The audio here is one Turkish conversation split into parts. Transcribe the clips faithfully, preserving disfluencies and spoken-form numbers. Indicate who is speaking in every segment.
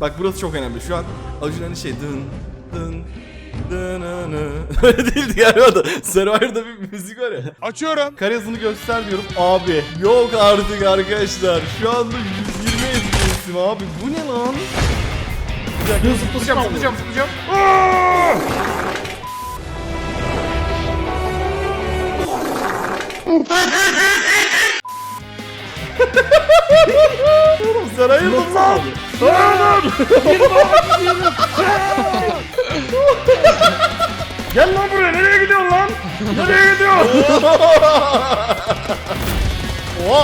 Speaker 1: Bak burası çok önemli. Şu an Acun hani şey dın dın dın dın. Öyle değildi galiba da. Survivor'da bir müzik var ya.
Speaker 2: Açıyorum.
Speaker 1: Kare hızını göster diyorum. Abi yok artık arkadaşlar. Şu anda yüz yirmi F P S'im abi. Bu ne lan? Bir dakika zıplayacağım zıplayacağım zıplayacağım. Oğlum sen ayırdın lan.
Speaker 2: Gel lan buraya, nereye gidiyorsun lan? Nereye gidiyorsun?
Speaker 1: Oha.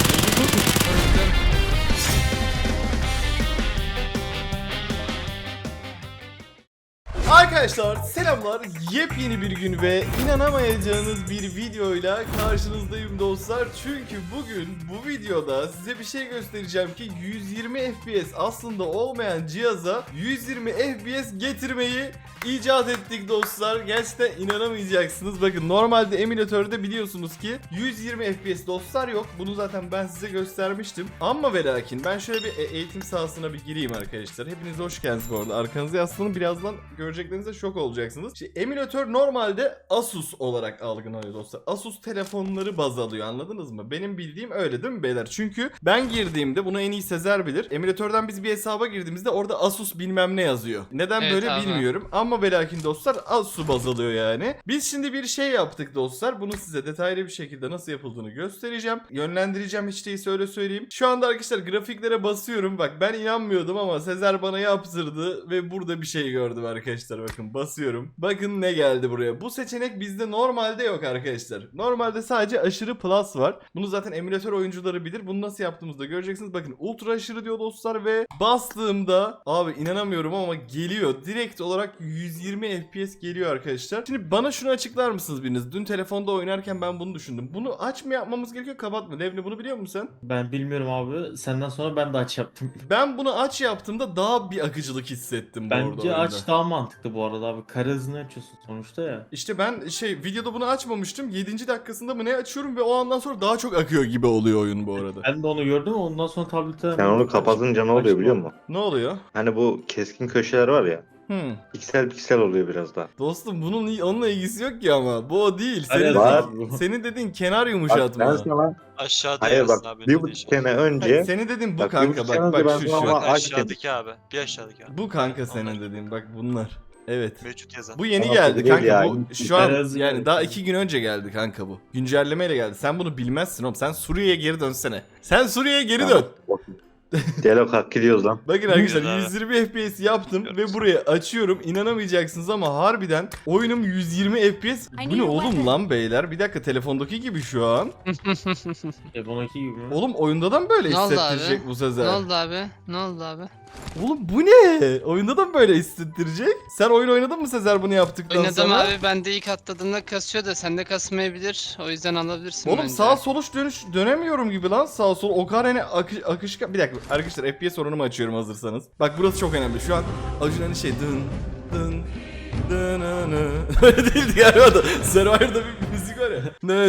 Speaker 1: Arkadaşlar selamlar, yepyeni bir gün ve inanamayacağınız bir videoyla karşınızdayım dostlar. Çünkü bugün bu videoda size bir şey göstereceğim ki yüz yirmi F P S aslında olmayan cihaza yüz yirmi F P S getirmeyi icat ettik dostlar. Gerçekten inanamayacaksınız. Bakın normalde emülatörde biliyorsunuz ki yüz yirmi F P S dostlar yok. Bunu zaten ben size göstermiştim. Ama ve lakin ben şöyle bir eğitim sahasına bir gireyim arkadaşlar. Hepiniz hoş geldiniz bu arada. Arkanızı yaslanın, birazdan göreceklerinize şok olacaksınız. İşte emülatör normalde Asus olarak algılanıyor dostlar. Asus telefonları baz alıyor, anladınız mı? Benim bildiğim öyle değil mi beyler? Çünkü ben girdiğimde, bunu en iyi Sezer bilir. Emülatörden biz bir hesaba girdiğimizde orada Asus bilmem ne yazıyor. Neden
Speaker 3: Evet
Speaker 1: böyle
Speaker 3: abi.
Speaker 1: bilmiyorum. Ama ve lakin dostlar Asus baz alıyor yani. Biz şimdi bir şey yaptık dostlar. Bunu size detaylı bir şekilde nasıl yapıldığını göstereceğim. Yönlendireceğim, hiç değilse öyle söyleyeyim. Şu anda arkadaşlar grafiklere basıyorum. Bak ben inanmıyordum ama Sezer bana yaptırdı ve burada bir şey gördüm arkadaşlar. Bakın basıyorum. Bakın ne geldi buraya. Bu seçenek bizde normalde yok arkadaşlar. Normalde sadece aşırı plus var. Bunu zaten emülatör oyuncuları bilir. Bunu nasıl yaptığımızda göreceksiniz. Bakın ultra aşırı diyor dostlar ve bastığımda abi inanamıyorum ama geliyor. Direkt olarak yüz yirmi F P S geliyor arkadaşlar. Şimdi bana şunu açıklar mısınız biriniz? Dün telefonda oynarken ben bunu düşündüm. Bunu aç mı yapmamız gerekiyor, kapat mı? Levni bunu biliyor musun sen?
Speaker 4: Ben bilmiyorum abi. Senden sonra ben de aç yaptım.
Speaker 1: Ben bunu aç yaptığımda daha bir akıcılık hissettim bu arada
Speaker 4: Bence
Speaker 1: oyunda.
Speaker 4: aç daha mantıklı bu arada abi. Kare hızını açıyorsun sonuçta ya.
Speaker 1: İşte ben şey videoda bunu açmamıştım. yedinci dakikasında mı ne açıyorum ve o andan sonra daha çok akıyor gibi oluyor oyun bu arada.
Speaker 4: Ben de onu gördüm, ondan sonra tablete...
Speaker 5: Sen onu kapatınca ne oluyor biliyor musun?
Speaker 1: Ne oluyor?
Speaker 5: Hani bu keskin köşeler var ya.
Speaker 1: Hmm.
Speaker 5: Piksel piksel oluyor biraz daha.
Speaker 1: Dostum bunun onunla ilgisi yok ki ama. Bu o değil. Senin,
Speaker 4: Hayır,
Speaker 5: var.
Speaker 1: dediğin, senin dediğin kenar
Speaker 5: Bak
Speaker 1: yumuşatma.
Speaker 5: ben sana
Speaker 6: Aşağıda
Speaker 5: hayır
Speaker 6: yazsın
Speaker 5: bak
Speaker 6: abi.
Speaker 5: bir
Speaker 6: ne
Speaker 5: buçuk
Speaker 6: diyeceğim.
Speaker 5: sene önce
Speaker 1: Hayır, senin dediğin bu
Speaker 5: bak, bir
Speaker 1: kanka.
Speaker 5: buçuk
Speaker 1: Bak
Speaker 5: sene
Speaker 1: bak
Speaker 5: önce ben
Speaker 1: şu
Speaker 5: sana
Speaker 1: şu.
Speaker 5: ama- Aç
Speaker 6: Aşağıdaki abi. Bir aşağıdaki abi.
Speaker 1: Bu kanka senin
Speaker 6: Onlar.
Speaker 1: dediğin. Bak bunlar. Evet.
Speaker 6: Mevcut yazan.
Speaker 1: Bu yeni
Speaker 5: Ama
Speaker 1: geldi
Speaker 5: değil
Speaker 1: kanka.
Speaker 5: ya.
Speaker 1: Bu şu an
Speaker 4: Biraz
Speaker 1: yani
Speaker 4: evet.
Speaker 1: daha iki gün önce geldi kanka bu. Güncellemeyle geldi. Sen bunu bilmezsin oğlum. Sen Suriye'ye geri dönsene. Sen Suriye'ye geri dön.
Speaker 5: Delo kalk gidiyoruz lan.
Speaker 1: Bakın arkadaşlar
Speaker 6: Güzel.
Speaker 1: yüz yirmi F P S yaptım ve buraya açıyorum. İnanamayacaksınız ama harbiden oyunum yüz yirmi F P S. Bu ne oğlum lan beyler? Bir dakika, telefondaki gibi şu an.
Speaker 4: Telefon iki gibi mi?
Speaker 1: Oğlum oyunda da mı böyle
Speaker 3: Ne oldu
Speaker 1: hissettirecek
Speaker 3: abi?
Speaker 1: bu
Speaker 3: Ne
Speaker 1: Sezer?
Speaker 3: oldu abi? Ne oldu abi?
Speaker 1: Oğlum bu ne? Oyunda da mı böyle hissettirecek? Sen oyun oynadın mı Sezer bunu yaptıktan
Speaker 3: Oynadım
Speaker 1: sonra?
Speaker 3: abi, ben de ilk atladığımda kasıyor da sende kasmayabilir. O yüzden alabilirsin
Speaker 1: Oğlum
Speaker 3: bence.
Speaker 1: sağ soluş dönüş dönemiyorum gibi lan, sağ sol o kadar hani akış, akışkan. Bir dakika arkadaşlar, F P S oranımı açıyorum hazırsanız. Bak burası çok önemli. Şu an Acun hani şey dın dın dın dın. Öyle değildi galiba da. Survivor'da bir müzik var ya.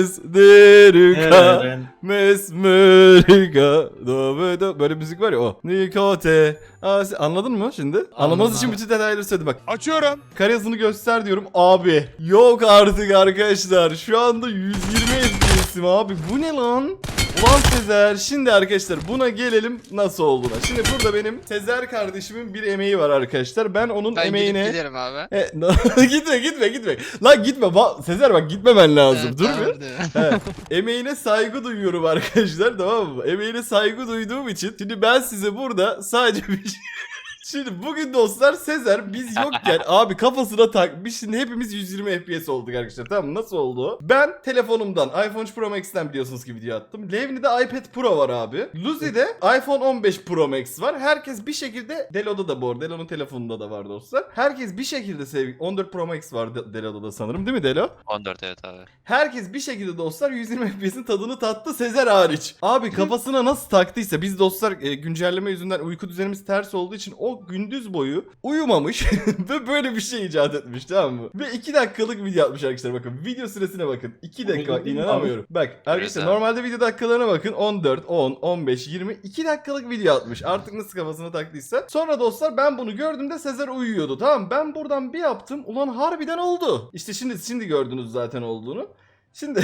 Speaker 1: Nesderika
Speaker 4: Eren.
Speaker 1: mesmerika do do, böyle müzik var ya o. Nikote. Aa, anladın mı şimdi? Anlamanız için bütün detayları söyledim bak.
Speaker 2: Açıyorum.
Speaker 1: Kare hızını göster diyorum. Abi yok artık arkadaşlar. Şu anda yüz yirmi F P S'im abi. Bu ne lan? Ulan Sezer. Şimdi arkadaşlar buna gelelim nasıl olduğuna. Şimdi burada benim Sezer kardeşimin bir emeği var arkadaşlar. Ben onun
Speaker 3: Ben
Speaker 1: emeğine...
Speaker 3: gidip giderim abi.
Speaker 1: E, gitme gitme gitme. Lan gitme. Ba- Sezer bak gitmemen lazım.
Speaker 3: Evet,
Speaker 1: Dur
Speaker 3: tamam,
Speaker 1: bir.
Speaker 3: dur.
Speaker 1: He. Emeğine saygı duyuyorum arkadaşlar, tamam mı? Emeğine saygı duyduğum için şimdi ben size burada sadece bir şey... Şimdi bugün dostlar Sezer biz yokken abi kafasına takmış. Şimdi hepimiz yüz yirmi F P S olduk arkadaşlar, tamam mı? Nasıl oldu? Ben telefonumdan iPhone üç Pro Max'ten biliyorsunuz ki video attım. Levni'de iPad Pro var abi. Luzi'de iPhone on beş Pro Max var. Herkes bir şekilde, Delo'da da bu arada, Delo'nun telefonunda da var dostlar. Herkes bir şekilde sevgi... on dört Pro Max var De- Delo'da da sanırım, değil mi Delo?
Speaker 6: on dört evet abi.
Speaker 1: Herkes bir şekilde dostlar yüz yirmi F P S'in tadını tattı, Sezer hariç. Abi kafasına nasıl taktıysa, biz dostlar e, güncelleme yüzünden uyku düzenimiz ters olduğu için o çok gündüz boyu uyumamış ve böyle bir şey icat etmiş, tamam mı? Ve iki dakikalık video atmış arkadaşlar, bakın video süresine bakın. iki dakika, bak, inanamıyorum. Bak arkadaşlar,
Speaker 6: abi.
Speaker 1: normalde video dakikalarına bakın, on dört, on, on beş, yirmi, iki dakikalık video atmış. Artık nasıl kafasına taktıysa. Sonra dostlar ben bunu gördüğümde Sezer uyuyordu, tamam mı? Ben buradan bir yaptım, ulan harbiden oldu. İşte şimdi şimdi gördünüz zaten olduğunu. Şimdi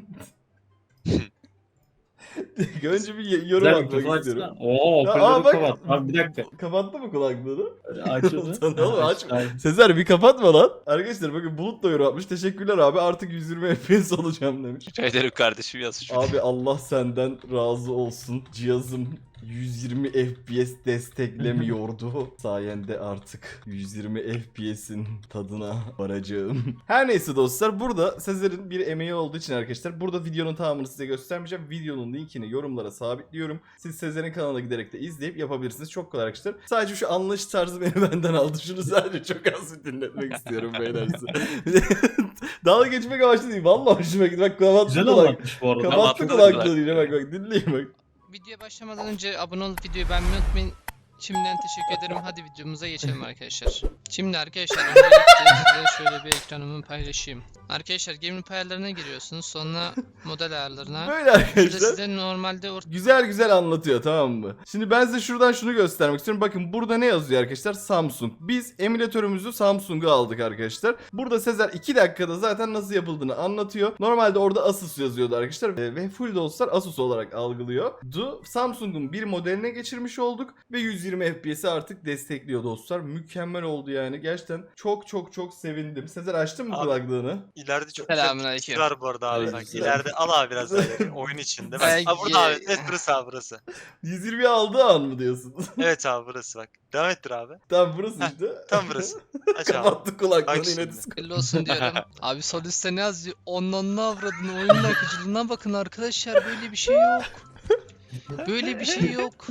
Speaker 1: önce bir yorum
Speaker 4: Güzel,
Speaker 1: atmak
Speaker 4: kafa
Speaker 1: istiyorum.
Speaker 4: açsana. Oo,
Speaker 1: Ya,
Speaker 4: hoparlörü
Speaker 1: aa, bak-
Speaker 4: kapat. Abi bir dakika.
Speaker 1: Kapattı mı kulaklığını?
Speaker 4: Açıldı.
Speaker 1: Lan oğlum, aç.
Speaker 4: Ay,
Speaker 1: Sezer bir kapatma lan. Arkadaşlar bakın, Bulut da yorum atmış. Teşekkürler abi, artık yüz yirmi F P S olacağım demiş.
Speaker 6: Rica ederim kardeşim yazmış.
Speaker 1: Abi Allah senden razı olsun. Cihazım yüz yirmi F P S desteklemiyordu. Sayende artık yüz yirmi F P S'in tadına varacağım. Her neyse dostlar, burada Sezer'in bir emeği olduğu için arkadaşlar burada videonun tamamını size göstermeyeceğim. Videonun linkini yorumlara sabitliyorum. Siz Sezer'in kanalına giderek de izleyip yapabilirsiniz. Çok kolay arkadaşlar. Sadece şu anlayış tarzı beni benden aldı. Şunu sadece çok az bir dinletmek istiyorum beyler size. Dalga geçmek amaçlı değil. Vallahi hoşuma gitti. Bak kapattı
Speaker 4: Güzel
Speaker 1: kulak.
Speaker 4: anlatmış bu arada.
Speaker 1: Kapattı
Speaker 6: Kapattı
Speaker 1: kulaklığını
Speaker 6: kulak.
Speaker 1: yine, bak bak dinleyin bak.
Speaker 3: Videoya başlamadan önce abone olup videoyu beğenmeyi unutmayın. Şimdiden teşekkür ederim. Hadi videomuza geçelim arkadaşlar. Şimdi arkadaşlar öncelikle size şöyle bir ekranımı paylaşayım. Arkadaşlar gaming ayarlarına giriyorsunuz. Sonra model ayarlarına.
Speaker 1: Böyle
Speaker 3: Burada
Speaker 1: arkadaşlar.
Speaker 3: size normalde or-
Speaker 1: Güzel güzel anlatıyor, tamam mı? Şimdi ben size şuradan şunu göstermek istiyorum. Bakın burada ne yazıyor arkadaşlar? Samsung. Biz emülatörümüzü Samsung'a aldık arkadaşlar. Burada Sezer iki dakikada zaten nasıl yapıldığını anlatıyor. Normalde orada Asus yazıyordu arkadaşlar. Ee, Ve full dostlar Asus olarak algılıyor. Du Samsung'un bir modeline geçirmiş olduk. Ve yüz yirmi F P S'i artık destekliyor dostlar. Mükemmel oldu yani. Gerçekten çok çok çok sevindim. Sezer açtın mı
Speaker 6: Abi,
Speaker 1: kulaklığını?
Speaker 6: İleride çok
Speaker 3: Selamünaleyküm.
Speaker 6: güzel bir var bu arada abi. Bak,
Speaker 1: Aleykümselam.
Speaker 6: ileride al abi biraz böyle oyun içinde. Bak,
Speaker 3: Ay,
Speaker 6: abi burada abi.
Speaker 3: ye-
Speaker 6: Evet burası abi burası.
Speaker 1: yüz yirmi aldığı an mı diyorsun?
Speaker 6: Evet abi burası bak. Devam ettir abi.
Speaker 1: Tam burası
Speaker 6: Heh,
Speaker 1: işte.
Speaker 6: Tam burası. Aç abi.
Speaker 1: Kapattı kulaklığını
Speaker 6: Bak
Speaker 1: yine
Speaker 6: şimdi.
Speaker 1: Discord.
Speaker 3: Belli olsun diyorum. Abi sol üstte ne yazıyor? Ondan ne avradın? Oyunun akıcılığına bakın arkadaşlar. Böyle bir şey yok. Böyle bir şey yok.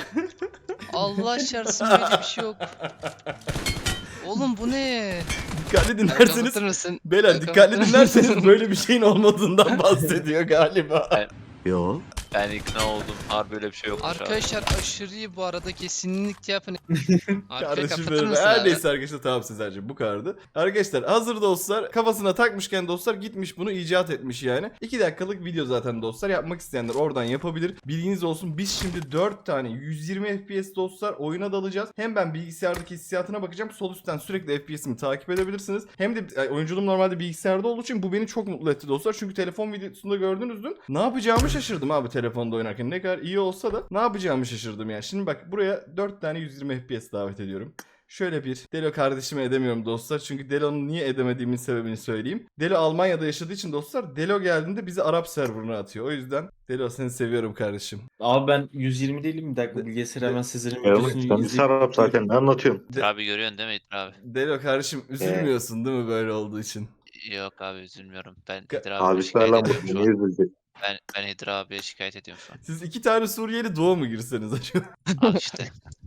Speaker 3: Allah şarsın, böyle bir şey yok. Oğlum bu ne?
Speaker 1: Dikkatli
Speaker 3: Kapatır
Speaker 1: dinlerseniz
Speaker 3: mısın?
Speaker 1: beyler
Speaker 3: Kapatır
Speaker 1: dikkatli
Speaker 3: mısın?
Speaker 1: dinlerseniz böyle bir şeyin olmadığından bahsediyor galiba.
Speaker 7: Yo.
Speaker 6: Ben ikna oldum. Harbi böyle bir şey yokmuş abi.
Speaker 3: Arkadaşlar aşırı iyi bu arada, kesinlikle yapın. Arkaya
Speaker 1: Kardeşim
Speaker 3: kapatır
Speaker 1: benim.
Speaker 3: mısın
Speaker 1: Her
Speaker 3: abi?
Speaker 1: neyse arkadaşlar, tamam Sezer'cim bu kadardı. Arkadaşlar hazır dostlar, kafasına takmışken dostlar gitmiş bunu icat etmiş yani. iki dakikalık video zaten dostlar, yapmak isteyenler oradan yapabilir. Bilginiz olsun, biz şimdi dört tane yüz yirmi F P S dostlar oyuna dalacağız. Hem ben bilgisayardaki hissiyatına bakacağım. Sol üstten sürekli F P S'imi takip edebilirsiniz. Hem de ay, oyunculuğum normalde bilgisayarda olduğu için bu beni çok mutlu etti dostlar. Çünkü telefon videosunda gördünüz dün. Ne yapacağımı şaşırdım abi telefonda oynarken. Ne kadar iyi olsa da ne yapacağımı şaşırdım yani. Şimdi bak, buraya dört tane yüz yirmi F P S davet ediyorum. Şöyle bir Delo kardeşime edemiyorum dostlar. Çünkü Delo'nun niye edemediğimin sebebini söyleyeyim. Delo Almanya'da yaşadığı için dostlar, Delo geldiğinde bizi Arap serverına atıyor. O yüzden Delo, seni seviyorum kardeşim.
Speaker 4: Abi ben yüz yirmi değilim, bir dakika bilgisayarı hemen Sezer'in
Speaker 5: Evet,
Speaker 4: videosunu
Speaker 5: sen bir
Speaker 4: izleyip.
Speaker 5: sarap zaten ne anlatıyorsun?
Speaker 6: Abi görüyorsun değil mi İlker abi?
Speaker 1: Delo kardeşim, üzülmüyorsun değil mi böyle olduğu için?
Speaker 6: Yok abi üzülmüyorum. Ben
Speaker 1: Ka-
Speaker 6: Hidir abiye
Speaker 5: Abi
Speaker 6: şikayet
Speaker 5: lan
Speaker 6: ediyorum
Speaker 5: bu
Speaker 6: şu
Speaker 5: niye
Speaker 6: an.
Speaker 5: üzüldü?
Speaker 6: Ben, ben Hidir abiye şikayet ediyorum şu an.
Speaker 1: Siz iki tane Suriyeli doğu mu girseniz acaba?
Speaker 6: Al işte.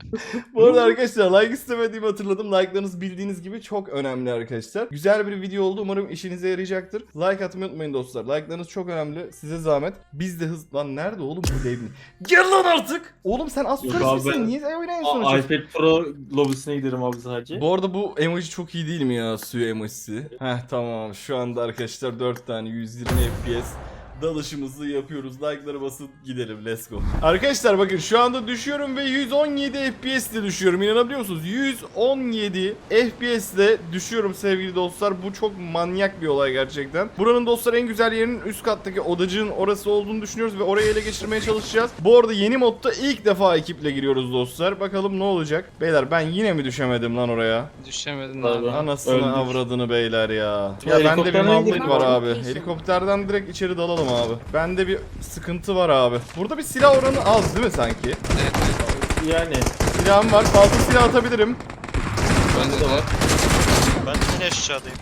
Speaker 1: Bu arada arkadaşlar like istemediğimi hatırladım. Like'larınız bildiğiniz gibi çok önemli arkadaşlar. Güzel bir video oldu. Umarım işinize yarayacaktır. Like atmayı unutmayın dostlar. Like'larınız çok önemli. Size zahmet. Biz de hız... Lan nerede oğlum bu devni? Gel lan artık! Oğlum sen az
Speaker 4: Yok
Speaker 1: sonra
Speaker 4: abi,
Speaker 1: misin?
Speaker 4: ben-
Speaker 1: Niye oynayın
Speaker 4: A-
Speaker 1: sonuçta?
Speaker 4: iPad Pro lobisine giderim abi sadece.
Speaker 1: Bu arada bu emoji çok iyi değil mi ya? Suyu emojisi. Heh tamam. Şu anda arkadaşlar dört tane yüz yirmi F P S dalışımızı yapıyoruz. Like'lara basıp gidelim. Let's go. Arkadaşlar bakın şu anda düşüyorum ve yüz on yedi F P S ile düşüyorum. İnanabiliyor musunuz? yüz on yedi F P S ile düşüyorum sevgili dostlar. Bu çok manyak bir olay gerçekten. Buranın dostlar en güzel yerinin üst kattaki odacığın orası olduğunu düşünüyoruz ve orayı ele geçirmeye çalışacağız. Bu arada yeni modda ilk defa ekiple giriyoruz dostlar. Bakalım ne olacak? Beyler ben yine mi düşemedim lan oraya?
Speaker 3: Düşemedin
Speaker 4: Vallahi.
Speaker 3: abi.
Speaker 1: Anasını
Speaker 4: Öldük.
Speaker 1: avradını beyler ya.
Speaker 4: Ya
Speaker 1: Ya bende bir
Speaker 4: helikopterden
Speaker 1: mallık
Speaker 4: indirin
Speaker 1: var
Speaker 4: abi.
Speaker 1: abi. Helikopterden direkt içeri dalalım abi. Bende bir sıkıntı var abi. Burada bir silah oranı az değil mi sanki?
Speaker 3: Evet, evet.
Speaker 4: Yani
Speaker 1: Silahım var. Fazla silah atabilirim.
Speaker 3: Bende de var.
Speaker 6: Ben yine aşağıdayım.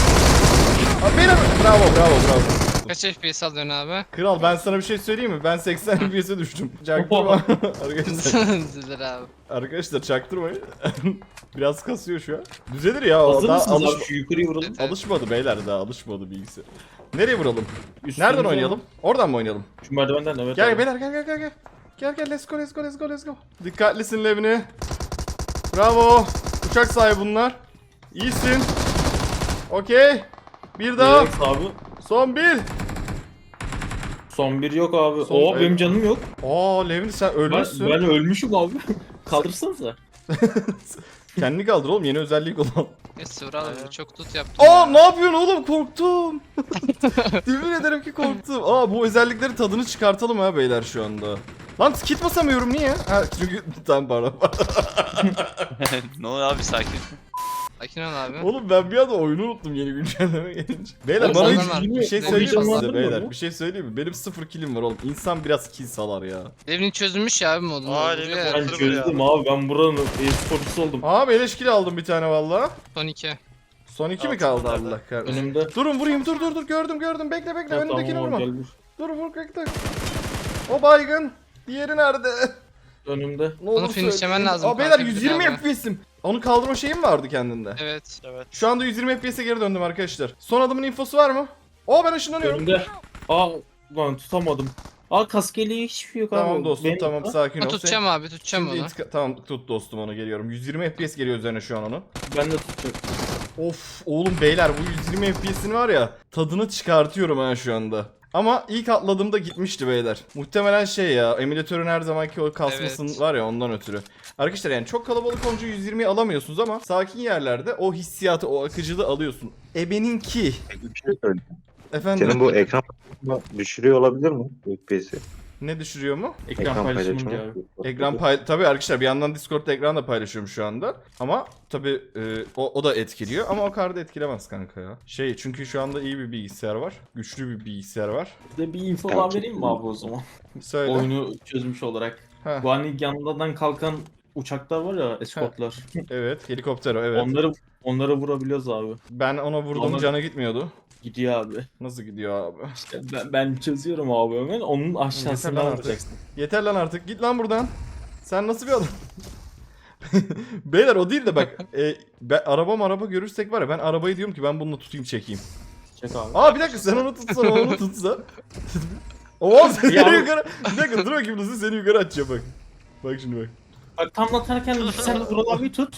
Speaker 1: Abi benim... Bravo bravo bravo.
Speaker 3: Kaç F P S alıyorsun abi?
Speaker 1: Kral ben sana bir şey söyleyeyim mi? Ben seksen F P S'e düştüm. Çaktırma. arkadaşlar,
Speaker 3: Üzülür abi.
Speaker 1: arkadaşlar çaktırmayın. Biraz kasıyor şu an. Düzelir ya. O
Speaker 4: hazır
Speaker 1: daha
Speaker 4: mısınız
Speaker 1: alış...
Speaker 4: abi, şu yukarıya vuralım.
Speaker 3: Evet.
Speaker 1: alışmadı beyler, daha alışmadı bilgisayar. Nereye vuralım?
Speaker 4: Üstümüze
Speaker 1: Nereden oynayalım? Oradan mı oynayalım?
Speaker 4: Şu merdivenden evet.
Speaker 1: Gel
Speaker 4: abi.
Speaker 1: beyler gel gel gel gel. Gel gel let's go let's go let's go let's go. Dikkatlisin Levni. Bravo. Uçak sahibi bunlar. İyisin. Okey. Bir daha.
Speaker 4: Relax abi.
Speaker 1: Son bir.
Speaker 4: Son bir yok abi.
Speaker 1: Son-
Speaker 4: Oo benim canım yok.
Speaker 1: Aa Levin sen
Speaker 4: Ben,
Speaker 1: ölmüşsün.
Speaker 4: ben ölmüşüm abi. Kaldırsanıza.
Speaker 1: Kendini kaldır oğlum, yeni özellik olan.
Speaker 3: Neyse Vural
Speaker 6: Aynen.
Speaker 3: abi çok tut yaptım.
Speaker 1: Aa
Speaker 3: ya.
Speaker 1: ne yapıyorsun oğlum, korktum. Yemin ederim ki korktum. Aa bu özelliklerin tadını çıkartalım ha beyler şu anda. Lan kit basamıyorum niye? Ha çünkü tam para.
Speaker 6: ne oluyor abi sakin.
Speaker 3: Sakin ol abi.
Speaker 1: Oğlum ben bir anda oyunu unuttum yeni güncelleme gelince. Beyler
Speaker 3: Oğlum
Speaker 1: bana
Speaker 3: senden
Speaker 1: hiç
Speaker 3: var.
Speaker 1: bir şey
Speaker 3: Ne
Speaker 1: söyleyeyim mi
Speaker 3: bileyim,
Speaker 1: size
Speaker 4: anladın
Speaker 1: beyler?
Speaker 4: mı?
Speaker 1: Bir şey söyleyeyim mi? Benim sıfır killim var oğlum. İnsan biraz kill salar ya.
Speaker 3: Devrin çözülmüş ya abi modunu.
Speaker 6: Aa,
Speaker 3: Vuruyor
Speaker 6: Levin
Speaker 3: ya.
Speaker 4: Ben
Speaker 6: Hatırlı
Speaker 4: çözdüm abi. Ben buranın e-sporcusu oldum.
Speaker 1: Aa beleş kill aldım bir tane valla.
Speaker 3: Son iki.
Speaker 1: Son iki mi
Speaker 6: Altında
Speaker 1: kaldı
Speaker 6: nerede?
Speaker 1: Allah kahretsin?
Speaker 4: Önümde.
Speaker 1: Durun vurayım, dur dur dur, gördüm gördüm, bekle bekle,
Speaker 4: Ha,
Speaker 1: önündekini
Speaker 4: tamam,
Speaker 1: vurma.
Speaker 4: gelmiş.
Speaker 1: Dur vur bekle. O baygın. Diğeri nerede?
Speaker 4: Önümde.
Speaker 1: Ne olur
Speaker 3: finishlemen
Speaker 1: söyleyin.
Speaker 3: lazım
Speaker 1: Aa beyler
Speaker 3: kanka, bir
Speaker 1: yüz yirmi
Speaker 3: daha.
Speaker 1: F P S'im. Onu kaldırma şeyim vardı kendinde.
Speaker 3: Evet.
Speaker 6: Evet.
Speaker 1: Şu anda yüz yirmi F P S'e geri döndüm arkadaşlar. Son adamın infosu var mı? Oo ben ışınlanıyorum.
Speaker 4: Önümde. Aa lan tutamadım. Aa kaskeli hiçbir şey yok abi.
Speaker 1: Tamam dostum,
Speaker 4: Benim-
Speaker 1: tamam sakin
Speaker 3: Ha,
Speaker 1: ol.
Speaker 3: tutacağım abi tutacağım
Speaker 1: Şimdi
Speaker 3: onu.
Speaker 1: intika- tamam tut dostum, onu geliyorum. yüz yirmi F P S geliyor üzerine şu an onun.
Speaker 4: Ben de tutacağım.
Speaker 1: Of oğlum beyler bu yüz yirmi F P S'in var ya tadını çıkartıyorum ha şu anda. Ama ilk atladığımda gitmişti beyler. Muhtemelen şey ya, emülatörün her zamanki o kasmasın
Speaker 3: Evet.
Speaker 1: var ya, ondan ötürü. Arkadaşlar yani çok kalabalık olunca yüz yirmiyi alamıyorsunuz ama sakin yerlerde o hissiyatı, o akıcılığı alıyorsun. Ebeninki.
Speaker 5: Bir şey söyleyeyim.
Speaker 1: Efendim
Speaker 5: Senin bu ekran düşürüyor olabilir mi? F P S'i.
Speaker 1: ne düşürüyor mu?
Speaker 4: Ekran, paylaşımı diyor abi.
Speaker 1: Ekran pay tabii arkadaşlar bir yandan Discord'da ekran da paylaşıyorum şu anda. Ama tabii e, o, o da etkiliyor ama o kadar da etkilemez kanka ya. Şey çünkü şu anda iyi bir bilgisayar var. Güçlü bir bilgisayar var.
Speaker 4: Size bir info daha vereyim mi abi o zaman?
Speaker 1: Söyle.
Speaker 4: Oyunu çözmüş olarak.
Speaker 1: Heh,
Speaker 4: Bu hani yandan kalkan uçaklar var ya, eskortlar.
Speaker 1: evet helikopter o, evet.
Speaker 4: Onları onları vurabiliyoruz abi.
Speaker 1: Ben ona vurdum,
Speaker 4: Onlar-
Speaker 1: cana gitmiyordu.
Speaker 4: Gidiyor abi.
Speaker 1: Nasıl gidiyor abi?
Speaker 4: İşte ben, ben çözüyorum abi hemen. Onun
Speaker 1: Yeter
Speaker 4: aşağısına
Speaker 1: lan artık.
Speaker 4: vuracaksın.
Speaker 1: Yeter lan artık, git lan buradan. Sen nasıl bir adam? Beyler o değil de bak e, ben, araba araba görürsek var ya, ben arabayı diyorum ki ben bununla tutayım çekeyim.
Speaker 4: Çek abi.
Speaker 1: Aa bir dakika, sen onu tutsan, o onu tutsa. Oo seni
Speaker 4: Ya-
Speaker 1: yukarı. Bir dakika dur bakayım, nasıl seni yukarı atacağım bak. Bak şimdi bak.
Speaker 4: Bak tam atarken sen de Vural abi tut.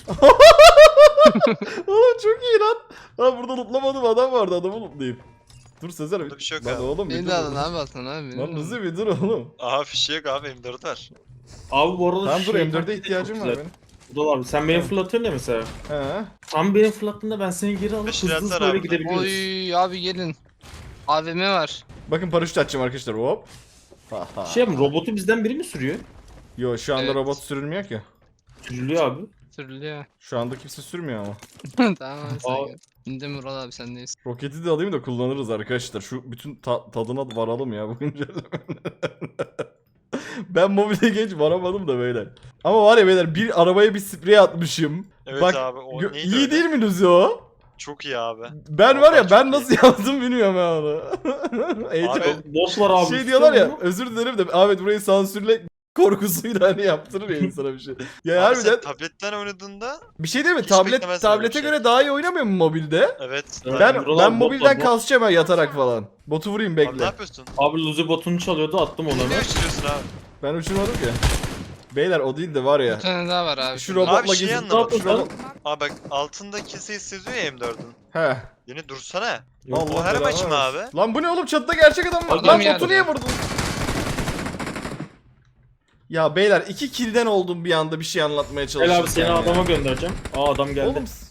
Speaker 1: Oğlum çok iyi lan. Lan burada lootlamadım adam vardı, adamı lootlayayım. Dur Sezer
Speaker 6: Burada bir şey yok
Speaker 1: Lan
Speaker 6: abi.
Speaker 1: oğlum bir
Speaker 3: Beni
Speaker 1: dur.
Speaker 3: de alın abi atın abi. beni
Speaker 1: Lan
Speaker 3: de alın.
Speaker 1: hızlı bir dur oğlum.
Speaker 6: Aha fişi yok abi M dört var.
Speaker 4: Abi bu arada
Speaker 1: Tamam dur,
Speaker 4: şey
Speaker 1: M dört'e
Speaker 4: taktiği de
Speaker 1: ihtiyacım
Speaker 4: çok
Speaker 1: var
Speaker 4: güzel.
Speaker 1: benim.
Speaker 4: Vural abi sen beni fırlatıyorsun ya mesela.
Speaker 1: He.
Speaker 4: Tam beni fırlattığında ben seni geri alıp
Speaker 6: Beş
Speaker 4: hızlı hızlı
Speaker 6: liralar
Speaker 4: böyle
Speaker 6: abi.
Speaker 4: gidebiliyoruz.
Speaker 3: Oy abi gelin. A V M var.
Speaker 1: Bakın paraşüt açacağım arkadaşlar, hop. Ha, ha.
Speaker 4: Şey mi, robotu bizden biri mi sürüyor?
Speaker 1: Yo şu anda
Speaker 3: Evet.
Speaker 1: robot sürülmüyor ki.
Speaker 4: Sürülüyor abi.
Speaker 3: Sürülüyor.
Speaker 1: Şu anda kimse sürmüyor ama.
Speaker 3: Tamam abi sen
Speaker 4: Aa.
Speaker 3: gel. İndim Vural abi sendeyiz.
Speaker 1: Roketi de alayım da kullanırız arkadaşlar. Şu bütün ta- tadına varalım ya bu güncellemenin. Ben mobile geç varamadım da beyler. Ama var ya beyler, bir arabaya bir sprey atmışım.
Speaker 6: Evet
Speaker 1: Bak
Speaker 6: abi o
Speaker 1: gö-
Speaker 6: neydi
Speaker 1: iyi
Speaker 6: öyle?
Speaker 1: değil mi Luzi o?
Speaker 6: Çok iyi abi.
Speaker 1: Ben var ya,
Speaker 6: Vallahi
Speaker 1: ben
Speaker 6: çok
Speaker 1: nasıl yaptım bilmiyorum ben onu. Heyecan-
Speaker 6: Abi,
Speaker 4: Boss var abi.
Speaker 1: şey diyorlar ya,
Speaker 4: tutuyor mu?
Speaker 1: özür dilerim de Ahmet burayı sansürle korkusuyla hani yaptırır ya insana bir şey. Ya
Speaker 6: Abi sen
Speaker 1: harbiden
Speaker 6: tabletten oynadığında
Speaker 1: bir şey değil mi?
Speaker 6: hiç
Speaker 1: Tablet
Speaker 6: beklemezdim öyle bir
Speaker 1: tablete
Speaker 6: şey.
Speaker 1: göre daha iyi oynamıyor mu mobilde?
Speaker 6: evet.
Speaker 4: Evet.
Speaker 1: Ben
Speaker 4: Vural
Speaker 1: ben
Speaker 4: abi, bot
Speaker 1: mobilden
Speaker 4: var, bot.
Speaker 1: kasacağım ha, yatarak falan. Botu vurayım
Speaker 6: Abi ne
Speaker 1: bekle.
Speaker 6: yapıyorsun?
Speaker 4: Abi Luzi botunu çalıyordu, attım onu
Speaker 6: Ne
Speaker 4: hemen.
Speaker 6: uçuruyorsun abi?
Speaker 1: Ben uçurmadım ki. Beyler o değil de var ya.
Speaker 3: Bir tane daha var abi.
Speaker 1: Şu
Speaker 3: şurada.
Speaker 1: robotla
Speaker 6: Abi şey
Speaker 1: gezin.
Speaker 6: anlamadım.
Speaker 1: Şu robot...
Speaker 6: Abi bak altında kese hissediyor ya M dördün.
Speaker 1: He.
Speaker 6: Yine dursana.
Speaker 1: Allah
Speaker 6: o her
Speaker 1: belanı
Speaker 6: maç mı
Speaker 1: versin.
Speaker 6: abi?
Speaker 1: Lan bu ne oğlum, çatıda gerçek adam var.
Speaker 3: Adam
Speaker 1: Lan
Speaker 3: geldi.
Speaker 1: botu niye vurdun? Ya beyler iki kill'den oldum bir anda bir şey anlatmaya
Speaker 4: Gel
Speaker 1: çalışırken.
Speaker 4: abi seni
Speaker 1: ya.
Speaker 4: adama göndereceğim. Aa adam geldi.
Speaker 1: Oğlum s-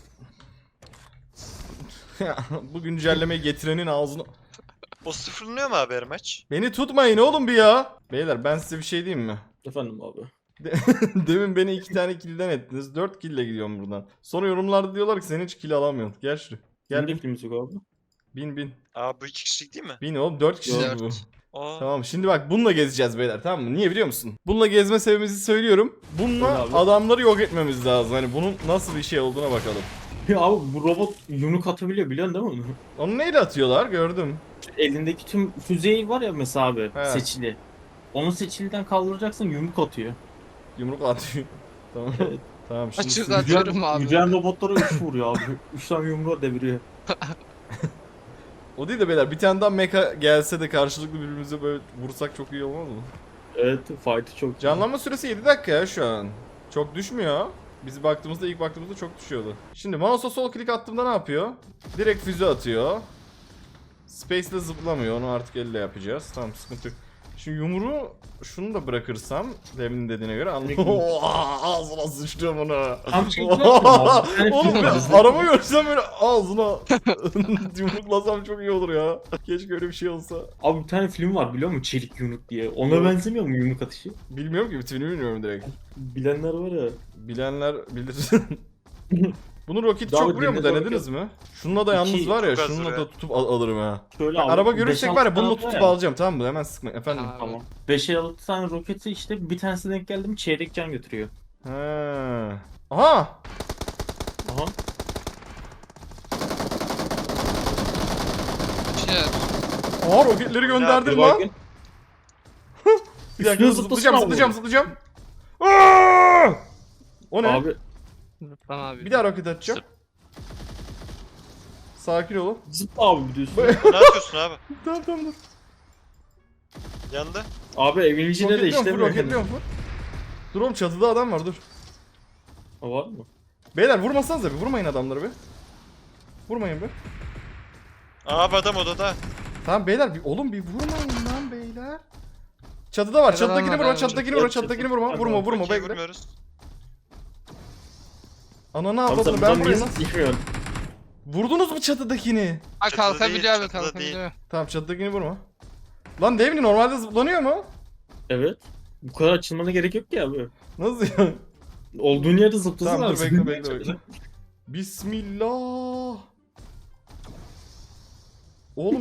Speaker 1: Ya, bu güncellemeyi getirenin ağzını...
Speaker 6: O sıfırlanıyor mu abi her maç?
Speaker 1: Beni tutmayın oğlum bir ya. Beyler ben size bir şey diyeyim mi?
Speaker 4: Efendim abi.
Speaker 1: Demin beni iki tane kill'den ettiniz. Dört kill'le gidiyorum buradan. Sonra yorumlarda diyorlar ki sen hiç kill alamıyorsun. Gel şuraya. Gel
Speaker 4: Gel
Speaker 1: bin.
Speaker 4: biklimiz yok abi.
Speaker 1: Bin bin.
Speaker 6: Abi bu iki kişilik değil mi?
Speaker 1: Bin oğlum, dört kişi
Speaker 3: Dört.
Speaker 1: bu.
Speaker 6: Aa.
Speaker 1: Tamam şimdi bak bununla gezeceğiz beyler, tamam mı? Niye biliyor musun? Bununla gezme sebebimizi söylüyorum. Bununla
Speaker 4: Öyle abi.
Speaker 1: adamları yok etmemiz lazım. Hani bunun nasıl bir şey olduğuna bakalım.
Speaker 4: Ya abi bu robot yumruk atabiliyor, biliyorsun değil mi onu?
Speaker 1: Onu neyle atıyorlar gördüm.
Speaker 4: Elindeki tüm füzeyi var ya mesela abi,
Speaker 1: He.
Speaker 4: seçili. Onu seçiliden kaldıracaksın, yumruk atıyor.
Speaker 1: Yumruk atıyor. Tamam.
Speaker 4: Evet.
Speaker 1: Tamam şimdi
Speaker 3: Açık
Speaker 1: siz-
Speaker 3: at. Atıyorum abi.
Speaker 4: Yüceğin robotlara üç vuruyor abi. üç tane yumruğa deviriyor.
Speaker 1: O değil de beyler, bir tane daha mecha gelse de karşılıklı birbirimize böyle vursak çok iyi olmaz mı?
Speaker 4: Evet, fight'ı çok.
Speaker 1: Canlanma süresi yedi dakika ya şu an. Çok düşmüyor. Biz baktığımızda ilk baktığımızda çok düşüyordu. Şimdi mouse'a sol klik attığımda ne yapıyor? Direkt füze atıyor. Space'le zıplamıyor. Onu artık elle yapacağız. Tamam, sıkıntı yok. Şimdi yumruğu şunu da bırakırsam Devlin'in dediğine göre anlıyorum. Ağzına sıçtım onu.
Speaker 4: Tam şey yapıyorum abi. Bir tane
Speaker 1: Oğlum
Speaker 4: film var.
Speaker 1: ben araba görsem böyle ağzına yumruklasam çok iyi olur ya. Keşke öyle bir şey olsa.
Speaker 4: Abi bir tane film var biliyor musun? Çelik yumruk diye. Ona
Speaker 1: Yok.
Speaker 4: benzemiyor mu yumruk atışı?
Speaker 1: Bilmiyorum ki, bitimini bilmiyorum direkt.
Speaker 4: Bilenler var ya.
Speaker 1: Bilenler bilir. Bunu roket
Speaker 4: Daha
Speaker 1: çok
Speaker 4: bir
Speaker 1: vuruyor mu,
Speaker 4: dinledi
Speaker 1: denediniz mi? Şununla da yalnız
Speaker 4: İki,
Speaker 1: var ya,
Speaker 6: çok az
Speaker 1: şununla
Speaker 6: vuruyor.
Speaker 1: da tutup al- alırım ha.
Speaker 4: Şöyle
Speaker 1: Bak,
Speaker 4: abi,
Speaker 1: araba
Speaker 4: beş
Speaker 1: görürsek
Speaker 4: altı
Speaker 1: var ya, bununla
Speaker 4: tane
Speaker 1: tutup
Speaker 4: ya.
Speaker 1: alacağım, tamam mı? Hemen sıkma efendim.
Speaker 3: Abi.
Speaker 4: Tamam. beş altı tane roketi işte bir tanesine denk geldim çeyrek can götürüyor.
Speaker 1: He. Aha!
Speaker 4: Aha.
Speaker 3: Şey,
Speaker 1: Aha, roketleri gönderdim lan. Bir dakika,
Speaker 4: Üstüne
Speaker 1: zıplayacağım,
Speaker 4: zıplasana
Speaker 1: zıplayacağım,
Speaker 4: abi.
Speaker 1: zıplayacağım. Aa! O ne?
Speaker 4: Abi
Speaker 3: Rıdvan abi.
Speaker 1: Bir daha roket atacağım. Sakin olun.
Speaker 4: zıpla abi biliyorsun.
Speaker 6: Ne yapıyorsun abi?
Speaker 1: Tamam tamam dur.
Speaker 6: Yandı.
Speaker 4: Abi evin içinde de
Speaker 1: Roketliyorum
Speaker 4: işte
Speaker 1: full,
Speaker 4: böyle.
Speaker 1: roketliyorum full. Dur oğlum, çatıda adam var, dur.
Speaker 4: Ha, var mı?
Speaker 1: Beyler vurmasanıza bir, vurmayın adamları bir. Vurmayın bir.
Speaker 6: Abi adam odada.
Speaker 1: Tamam beyler, bir oğlum bir vurmayın lan beyler. Çatıda var,
Speaker 3: Nerede
Speaker 1: çatıdakini
Speaker 3: lan
Speaker 1: vurma,
Speaker 3: adam?
Speaker 1: çatıdakini vurma,
Speaker 4: Çatı-
Speaker 1: çatıdakini vurma,
Speaker 4: çatı-
Speaker 1: vurma, vurma,
Speaker 6: Okey,
Speaker 1: bekle.
Speaker 6: vurmuyoruz.
Speaker 1: Ana ne
Speaker 4: Abi
Speaker 1: yapalım,
Speaker 4: sen
Speaker 1: ben
Speaker 4: buradan
Speaker 1: buraya
Speaker 4: niye
Speaker 1: nasıl...
Speaker 4: yıkıyorsun?
Speaker 1: Vurdunuz mu çatıdakini?
Speaker 3: Ha,
Speaker 6: Çatıda
Speaker 3: kalkabiliyor
Speaker 6: değil,
Speaker 3: abi,
Speaker 6: çatıda
Speaker 3: kalkabiliyor.
Speaker 1: Tamam, çatıdakini vurma. Lan Devni normalde zıplanıyor mu?
Speaker 4: Evet. Bu kadar açılmana gerek yok ki abi.
Speaker 1: Nasıl ya?
Speaker 4: Olduğun yerde zıplasın
Speaker 1: Tamam
Speaker 4: abi.
Speaker 1: dur, bekle bekle bekle. Bismillah. Oğlum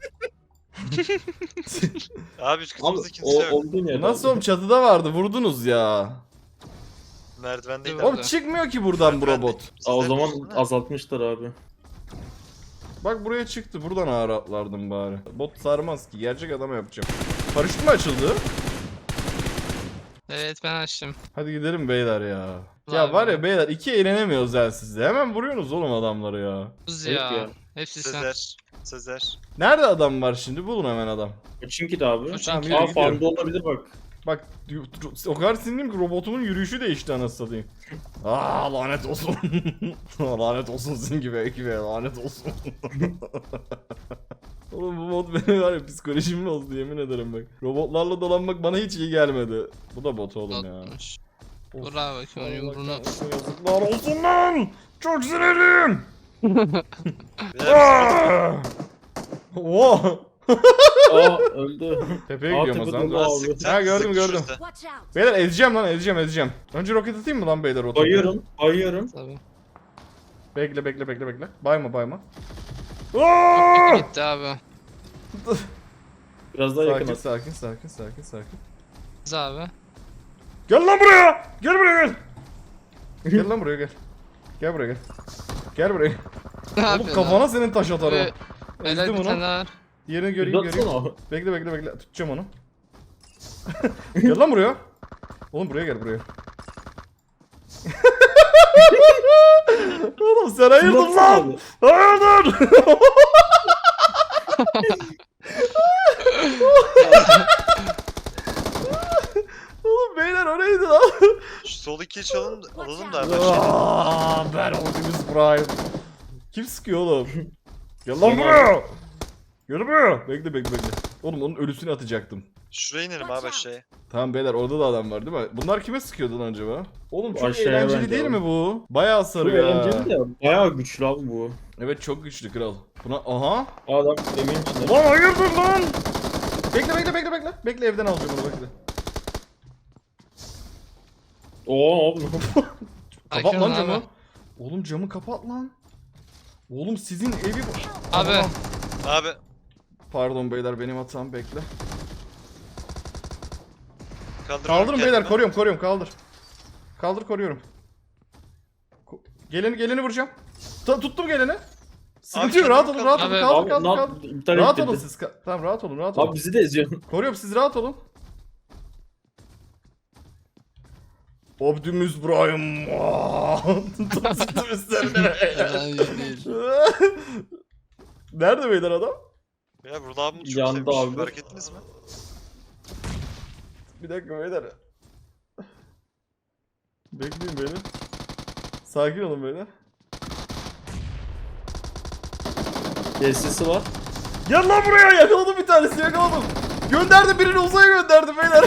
Speaker 6: Abi üst
Speaker 4: Abi
Speaker 6: katımızda
Speaker 4: o,
Speaker 6: kimse yok.
Speaker 4: olduğun yerde.
Speaker 1: nasıl
Speaker 4: abi.
Speaker 1: oğlum, çatıda vardı, vurdunuz ya.
Speaker 6: Merdivendeydi
Speaker 3: Evet.
Speaker 6: abi.
Speaker 1: Oğlum çıkmıyor ki buradan bu robot.
Speaker 4: Aa, o
Speaker 6: Sizler
Speaker 4: zaman
Speaker 6: biliyorsunuz, değil mi?
Speaker 4: azaltmışlar abi.
Speaker 1: Bak buraya çıktı, buradan ağır atlardım bari. Bot sarmaz ki, gerçek adama yapacağım. Paraşüt mü açıldı?
Speaker 3: Evet, ben açtım.
Speaker 1: Hadi gidelim beyler ya.
Speaker 3: Vay
Speaker 1: Ya var
Speaker 3: be.
Speaker 1: ya beyler, iki eğlenemiyoruz ya sizde. Hemen vuruyorsunuz oğlum adamları ya.
Speaker 3: Buz
Speaker 4: Evet
Speaker 3: ya.
Speaker 4: ya.
Speaker 3: Hepsi sen.
Speaker 6: Sezer. Sezer.
Speaker 1: Nerede adam var şimdi? Bulun hemen adam.
Speaker 4: Çünkü de abi.
Speaker 3: Çünkü-
Speaker 1: Tamam, yürü
Speaker 4: Aa
Speaker 1: gidiyorum.
Speaker 4: farmda olabilir bak.
Speaker 1: Bak o kadar sinirliyim ki robotumun yürüyüşü değişti anasını satayım. Aa, lanet olsun. Lanet olsun sizin gibi ekibe, lanet olsun. Oğlum bu mod benim var ya, psikolojim bozdu yemin ederim bak. Robotlarla dolanmak bana hiç iyi gelmedi. Bu da bot oğlum ya.
Speaker 3: Botmuş.
Speaker 1: Of,
Speaker 3: Vur abi bakayım onun yumruğunu.
Speaker 1: Allah'tan yazıklar olsun lan. Çok sinirliyim.
Speaker 6: Beyler,
Speaker 1: Aa! Oha.
Speaker 4: Aa öldü.
Speaker 1: Tepeye
Speaker 4: Aa,
Speaker 1: gidiyorum o zaman.
Speaker 4: tepede
Speaker 1: Dur.
Speaker 4: abi.
Speaker 6: sıktı,
Speaker 1: Ha, gördüm,
Speaker 6: sıktı
Speaker 1: gördüm.
Speaker 6: şurada.
Speaker 7: Watch out!
Speaker 1: Beyler ezeceğim lan, ezeceğim ezeceğim. Önce roket atayım mı lan beyler o tepeye?
Speaker 4: Bayıyorum. Bayıyorum.
Speaker 3: Tabii.
Speaker 1: Bekle bekle bekle bekle. Bayma bayma. Aa!
Speaker 3: Gitti abi.
Speaker 4: Biraz daha yakın
Speaker 1: Sakin
Speaker 4: at.
Speaker 1: sakin sakin sakin sakin.
Speaker 3: Biz abi.
Speaker 1: Gel lan buraya. Gel buraya gel. Gel lan buraya gel. Gel buraya gel. Gel buraya.
Speaker 3: Ne
Speaker 1: Oğlum
Speaker 3: yapıyorsun
Speaker 1: kafana
Speaker 3: abi?
Speaker 1: senin taş atarım.
Speaker 3: Ee, Helal
Speaker 1: Ezdim
Speaker 3: bir tane
Speaker 1: onu.
Speaker 3: daha var.
Speaker 1: Diğerini göreyim göreyim.
Speaker 4: Uzatsana abi.
Speaker 1: Bekle bekle bekle. Tutacağım onu. Gel lan buraya. Oğlum buraya gel buraya. Oğlum sen hayırdır
Speaker 4: Uzatsana
Speaker 1: lan?
Speaker 4: abi.
Speaker 1: Hayırdır? Oğlum beyler o neydi lan?
Speaker 6: Şu sol ikiyi çalın alalım da abi. aşağı.
Speaker 1: Aa, ben Optimus Prime. Kim sıkıyor oğlum? Gel lan buraya. Gel buraya. Bekle bekle bekle. Oğlum onun ölüsünü atacaktım.
Speaker 6: Şuraya inelim abi aşağıya.
Speaker 1: Tamam beyler, orada da adam var değil mi? Bunlar kime sıkıyordu lan acaba? Oğlum çok
Speaker 4: Aşağıya
Speaker 1: eğlenceli
Speaker 4: bence
Speaker 1: değil
Speaker 4: abi.
Speaker 1: mi bu? Bayağı
Speaker 4: Bu
Speaker 1: sarıyor ha.
Speaker 4: eğlenceli de bayağı güçlü abi bu.
Speaker 1: Evet çok güçlü kral. Buna aha.
Speaker 4: Adam emin içinde.
Speaker 1: Lan hayırdır lan? Bekle bekle bekle bekle. Bekle, evden alacağım onu, bekle.
Speaker 4: Oo abi.
Speaker 1: Kapat
Speaker 3: Sakin
Speaker 1: lan
Speaker 3: ol
Speaker 1: camı.
Speaker 3: abi.
Speaker 1: Oğlum camı kapat lan. Oğlum sizin evi bu.
Speaker 3: Abi.
Speaker 1: Aha.
Speaker 6: Abi
Speaker 1: Pardon beyler, benim hatam, bekle.
Speaker 6: kaldırıyorum
Speaker 1: Kaldırın beyler,
Speaker 6: kendimi.
Speaker 1: koruyorum koruyorum, kaldır. Kaldır, koruyorum. Ko- geleni geleni vuracağım. Ta- tuttum geleni. Sıkıntı yok,
Speaker 6: kendimi
Speaker 1: rahat olun, rahat olun,
Speaker 3: Abi-
Speaker 1: kaldır
Speaker 4: Abi
Speaker 1: kaldır
Speaker 4: lan
Speaker 1: kaldır.
Speaker 4: iptal
Speaker 1: Rahat olun
Speaker 4: ettirdi.
Speaker 1: siz. ka- Tamam rahat olun, rahat olun.
Speaker 4: Abi bizi de eziyorsun.
Speaker 1: Koruyorum, siz rahat olun. Optimus Prime. Tuttum üstlerine.
Speaker 3: Ben iyi değil.
Speaker 1: Nerede beyler adam?
Speaker 6: Ya burada abim çok
Speaker 4: Yandı
Speaker 6: sevmiş.
Speaker 4: abi.
Speaker 6: Fark ettiniz mi?
Speaker 1: Bir dakika beyler. Bekleyin beni. Sakin olun böyle.
Speaker 4: Destesi var.
Speaker 1: Gel lan buraya, yakaladım bir tanesi, yakaladım. Gönderdim, birini uzaya gönderdim beyler.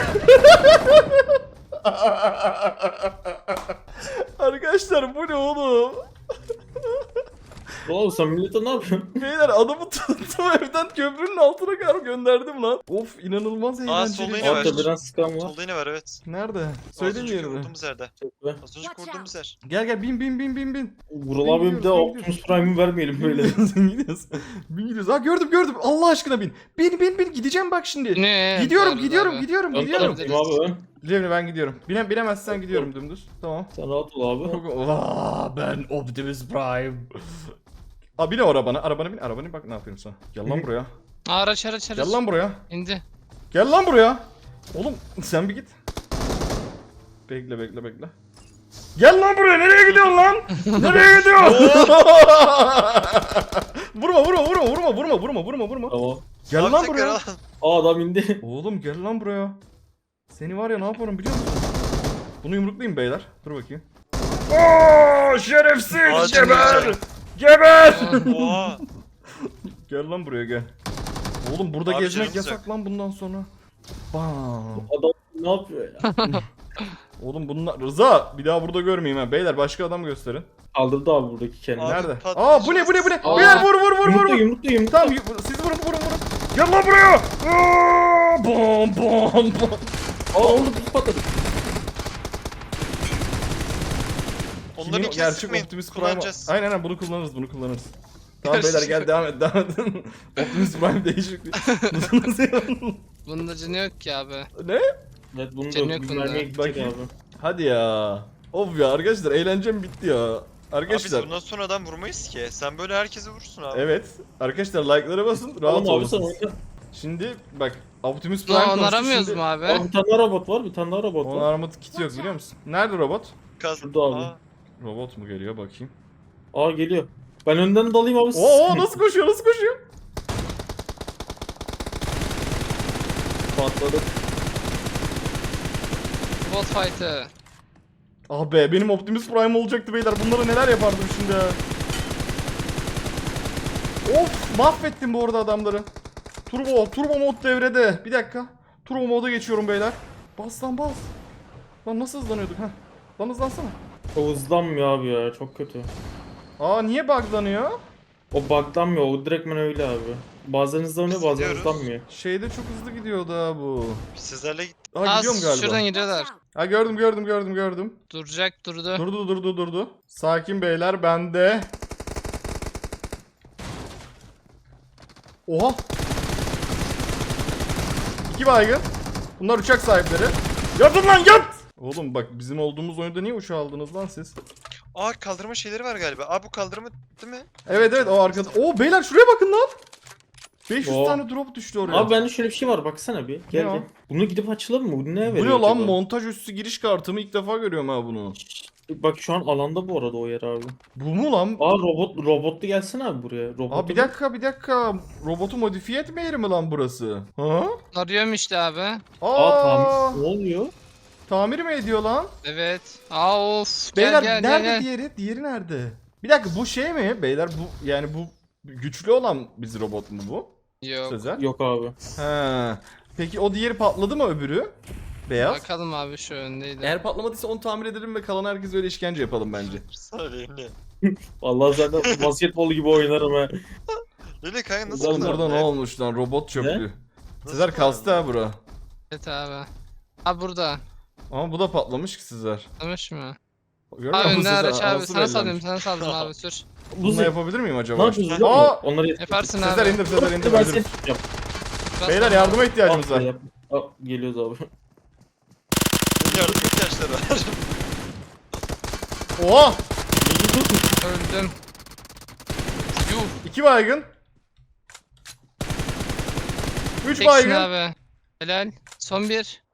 Speaker 1: Arkadaşlar bu ne oğlum?
Speaker 4: Oğlum sen millete ne yapıyorsun?
Speaker 1: Beyler adamı tuttum, evden köprünün altına kadar gönderdim lan. Of, inanılmaz
Speaker 6: Aa,
Speaker 1: eğlenceli.
Speaker 6: solda yine var.
Speaker 4: Arka biraz sıkan var.
Speaker 6: Solda yine var evet.
Speaker 1: Nerede?
Speaker 6: Az
Speaker 1: Söyleyin
Speaker 6: önceki
Speaker 1: yerini.
Speaker 6: vurduğumuz yerde.
Speaker 4: Çok be.
Speaker 6: Az önceki vurduğumuz yer.
Speaker 1: Gel gel, bin bin bin bin bin.
Speaker 4: Vural abi bir de
Speaker 1: Gidiyoruz,
Speaker 4: Optimus Prime'ı vermeyelim böyle.
Speaker 1: Gidiyoruz, gidiyoruz. Bin gidiyoruz. Ha gördüm gördüm. Allah aşkına bin. Bin bin bin, gideceğim bak şimdi.
Speaker 3: Ne?
Speaker 1: Gidiyorum
Speaker 3: Varız
Speaker 1: gidiyorum
Speaker 3: abi.
Speaker 1: gidiyorum
Speaker 4: Ön
Speaker 1: gidiyorum.
Speaker 4: taraftayım abi ön.
Speaker 1: Cemre ben gidiyorum. Bine, binemezsen gidiyorum dümdüz. Tamam.
Speaker 4: Sen rahat ol abi.
Speaker 1: Vaa, ben Optimus Prime. Aa, bin o arabana. Arabana bin. Arabana bin. Bak ne yapıyorum sana. Gel lan buraya.
Speaker 3: Araç araç araç.
Speaker 1: Gel lan buraya.
Speaker 3: İndi.
Speaker 1: Gel lan buraya. Oğlum sen bir git. Bekle bekle bekle. Gel lan buraya. Nereye gidiyorsun lan? Nereye gidiyorsun? vurma vurma vurma vurma vurma vurma vurma vurma.
Speaker 4: Tamam.
Speaker 1: Gel
Speaker 6: Abi
Speaker 1: lan
Speaker 6: tekrar
Speaker 1: buraya.
Speaker 6: al.
Speaker 4: Aa adam indi.
Speaker 1: Oğlum gel lan buraya. Seni var ya ne yaparım biliyor musun? Bunu yumruklayayım beyler. Dur bakayım. Oo şerefsiz,
Speaker 6: Ağacın
Speaker 1: geber.
Speaker 6: içine.
Speaker 1: Geber.
Speaker 6: Oha.
Speaker 1: Gel lan buraya gel. Oğlum burada
Speaker 6: Abi
Speaker 1: gezmek
Speaker 6: canımız
Speaker 1: yasak
Speaker 6: yok.
Speaker 1: lan bundan sonra. Bam.
Speaker 4: Adam ne yapıyor ya?
Speaker 1: Oğlum bunlar Rıza, bir daha burada görmeyeyim ha. Beyler başka adam gösterin.
Speaker 4: Kaldırdı abi buradaki kendini.
Speaker 6: Abi,
Speaker 1: Nerede?
Speaker 6: patlayacağız.
Speaker 1: Aa bu ne bu ne bu ne?
Speaker 4: Aa.
Speaker 1: Beyler vur vur vur vur.
Speaker 4: Yumrukla
Speaker 1: vur.
Speaker 4: yumrukla yumrukla.
Speaker 1: Tamam yu- siz vurun vurun vurun. Gel lan buraya. Aa, bom bom bom.
Speaker 4: Aa oldu biz patladık.
Speaker 6: Onların
Speaker 1: Kimin o
Speaker 6: ikisi
Speaker 1: gerçek
Speaker 6: sıkmayın.
Speaker 1: Optimus Prime?
Speaker 6: Kullanacağız.
Speaker 1: Aynen aynen bunu kullanırız bunu kullanırız. Tamam beyler gel devam et devam et. Optimus Prime değişik bir. Nasıl yapalım?
Speaker 3: Bunda canı yok ki abi.
Speaker 1: Ne?
Speaker 4: Evet bunu
Speaker 3: Canı
Speaker 4: da
Speaker 3: yok
Speaker 4: bir
Speaker 3: bunda.
Speaker 4: mermiye gidecek
Speaker 1: Bakayım.
Speaker 4: abi.
Speaker 1: Hadi ya. Of ya arkadaşlar, eğlencem bitti ya.
Speaker 6: Abi biz
Speaker 1: Arkadaşlar.
Speaker 6: bundan sonra adam vurmayız ki. Sen böyle herkese vurursun abi.
Speaker 1: Evet. Arkadaşlar like'lara basın. Rahat
Speaker 4: Oğlum abi sen
Speaker 1: olun.
Speaker 4: oyna.
Speaker 1: Şimdi bak Optimus Prime
Speaker 3: Lan
Speaker 1: konuştu,
Speaker 3: aramıyoruz
Speaker 1: şimdi-
Speaker 3: mu abi?
Speaker 4: Abi bir tane daha robot var bir tane daha robot
Speaker 1: Onun
Speaker 4: var.
Speaker 1: armut kiti yok biliyor musun? Nerede robot?
Speaker 6: Kaz-
Speaker 4: Şurada abi.
Speaker 6: Aa,
Speaker 1: Robot mu geliyor bakayım.
Speaker 4: Aa geliyor. Ben önden dalayım abi. siz-
Speaker 1: Oo nasıl koşuyor nasıl koşuyor?
Speaker 4: Patladı.
Speaker 3: Bot fight'ı.
Speaker 1: Ah be, benim Optimus Prime olacaktı beyler. Bunlara neler yapardım şimdi ya. Of, mahvettim bu arada adamları. Turbo, turbo mod devrede. Bir dakika. Turbo moda geçiyorum beyler. Bas lan bas. Lan nasıl hızlanıyorduk ha? Lan hızlansana.
Speaker 4: O hızlanmıyor abi ya çok kötü.
Speaker 1: Aa niye buglanıyor?
Speaker 4: O buglanmıyor o direktmen öyle abi. Bazen hızlanıyor
Speaker 6: Biz
Speaker 4: bazen
Speaker 6: gidiyoruz.
Speaker 4: hızlanmıyor.
Speaker 1: Şeyde çok hızlı gidiyordu ha bu.
Speaker 6: sizlerle git.
Speaker 1: Aa
Speaker 3: Az
Speaker 1: gidiyorum galiba.
Speaker 3: şuradan gidiyorlar.
Speaker 1: Ha gördüm gördüm gördüm gördüm.
Speaker 3: Duracak durdu.
Speaker 1: Durdu durdu durdu. Sakin beyler, bende. Oha. İki baygın. Bunlar uçak sahipleri. Yatın lan yat. Oğlum bak bizim olduğumuz oyunda niye uçağı aldınız lan siz?
Speaker 6: Aa kaldırma şeyleri var galiba. Aa bu kaldırma değil mi?
Speaker 1: Evet evet o arkada. Oo beyler şuraya bakın lan. beş yüz
Speaker 4: Oo.
Speaker 1: tane drop düştü oraya.
Speaker 4: Abi bende şöyle bir şey var baksana bir. Gel
Speaker 1: Ne o?
Speaker 4: gel. Bunu gidip açalım mı? Bu ne
Speaker 1: Bu
Speaker 4: veriyor
Speaker 1: ne lan,
Speaker 4: acaba?
Speaker 1: montaj üstü giriş kartımı ilk defa görüyorum ha bunu.
Speaker 4: Bak şu an alanda bu arada o yer abi.
Speaker 1: Bu mu lan?
Speaker 4: Aa robot robotlu gelsene abi buraya. Robotu
Speaker 1: Aa bir dakika bir dakika. Robotu modifiye etme yeri mi lan burası? Ha?
Speaker 3: Arıyorum işte abi.
Speaker 1: Aa,
Speaker 4: Aa tamam. Ne oluyor?
Speaker 1: tamir mi ediyor lan?
Speaker 3: Evet. Aa of. Gel
Speaker 1: Beyler
Speaker 3: gel gel
Speaker 1: nerede
Speaker 3: gel.
Speaker 1: diğeri? Diğeri nerede? Bir dakika bu şey mi? Beyler bu yani bu güçlü olan biz robot mu bu?
Speaker 3: Yok.
Speaker 1: Sezer.
Speaker 4: Yok abi.
Speaker 1: He. Peki o diğeri patladı mı öbürü? Beyaz.
Speaker 3: Bakalım abi şu öndeydi.
Speaker 1: Eğer patlamadıysa onu tamir edelim ve kalan herkes öyle işkence yapalım bence.
Speaker 6: Söyleyeyim ne?
Speaker 4: Vallahi zaten basketbol gibi oynarım ha.
Speaker 6: Lili kanka nasıl
Speaker 1: Oğlum
Speaker 6: kullandın
Speaker 1: burada ne
Speaker 6: ya?
Speaker 1: olmuş lan, robot çöplüğü.
Speaker 6: Nasıl
Speaker 1: Sezer kastı ha bura.
Speaker 3: Evet abi. Abi burada.
Speaker 1: Ama bu da patlamış ki Sezer.
Speaker 3: Anlamış mı?
Speaker 1: Görüyor
Speaker 3: Abi
Speaker 1: musun
Speaker 3: önde
Speaker 1: Sezer?
Speaker 3: araç abi.
Speaker 1: Anası
Speaker 3: Sana saldım
Speaker 1: bellenmiş.
Speaker 3: sana saldım abi sür.
Speaker 1: Bununla
Speaker 4: Buzi.
Speaker 1: yapabilir miyim
Speaker 4: Ne
Speaker 1: acaba?
Speaker 4: yapıyoruz biliyor
Speaker 1: Aa!
Speaker 4: musun? Onları
Speaker 3: Yaparsın
Speaker 1: Sezer
Speaker 3: abi.
Speaker 1: indir Sezer indir.
Speaker 4: Ben
Speaker 1: indir.
Speaker 4: seni tutacağım.
Speaker 3: Bas
Speaker 1: Beyler
Speaker 3: abi.
Speaker 1: yardıma ihtiyacımız
Speaker 4: Aa,
Speaker 1: var.
Speaker 4: yap- Aa, geliyoruz abi.
Speaker 6: Yardım ihtiyaçları var.
Speaker 1: Oha!
Speaker 3: Öldüm. Yuh.
Speaker 1: İki baygın. Üç
Speaker 3: Teksin
Speaker 1: baygın.
Speaker 3: abi. Helal. Son bir.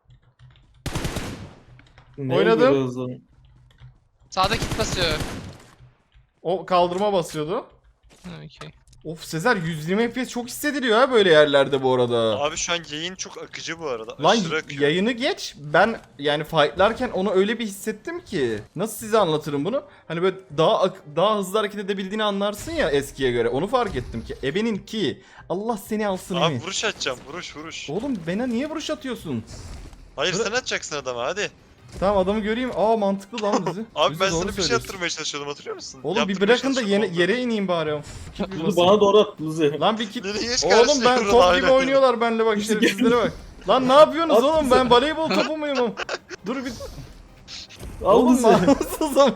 Speaker 4: Ne
Speaker 1: Oynadım.
Speaker 4: oluyor hızlı?
Speaker 3: Sağda kit basıyor.
Speaker 1: O kaldırma basıyordu.
Speaker 3: Ha, okey.
Speaker 1: Of Sezer yüz yirmi F P S çok hissediliyor ha böyle yerlerde bu arada.
Speaker 6: Abi şu an yayın çok akıcı bu arada.
Speaker 1: Lan
Speaker 6: Aşırı akıyor.
Speaker 1: yayını geç. Ben yani fightlarken onu öyle bir hissettim ki. Nasıl size anlatırım bunu? Hani böyle daha ak- daha hızlı hareket edebildiğini anlarsın ya eskiye göre. Onu fark ettim ki. Ebenin ki. Allah seni alsın
Speaker 6: Abi
Speaker 1: Emi.
Speaker 6: vuruş atacağım vuruş vuruş.
Speaker 1: Oğlum bana niye vuruş atıyorsun?
Speaker 6: Hayır
Speaker 1: Bıra-
Speaker 6: sen atacaksın adama hadi.
Speaker 1: Tamam adamı göreyim. Aa mantıklı lan bizi.
Speaker 6: Abi
Speaker 1: Bizi
Speaker 6: ben
Speaker 1: doğru
Speaker 6: sana bir şey
Speaker 1: söylüyorsun.
Speaker 6: yaptırmaya çalışıyordum hatırlıyor musun?
Speaker 1: Oğlum bir
Speaker 6: Yaptırmaya
Speaker 1: bırakın da
Speaker 6: çalışıyordum,
Speaker 1: yere,
Speaker 6: oldu.
Speaker 1: yere ineyim bari. Of, kit bir
Speaker 4: Luzi
Speaker 1: basayım.
Speaker 4: bana doğru at Luzi.
Speaker 1: Lan bir kit.
Speaker 6: Nereye geç
Speaker 1: Oğlum ben
Speaker 6: karşıya
Speaker 1: top
Speaker 6: aynen.
Speaker 1: gibi oynuyorlar benimle bak şerefsizlere bak. Lan ne yapıyorsunuz oğlum ben voleybol topu muyum? Dur bir.
Speaker 4: Al
Speaker 1: Oğlum
Speaker 4: Luzi.
Speaker 1: namussuz ama.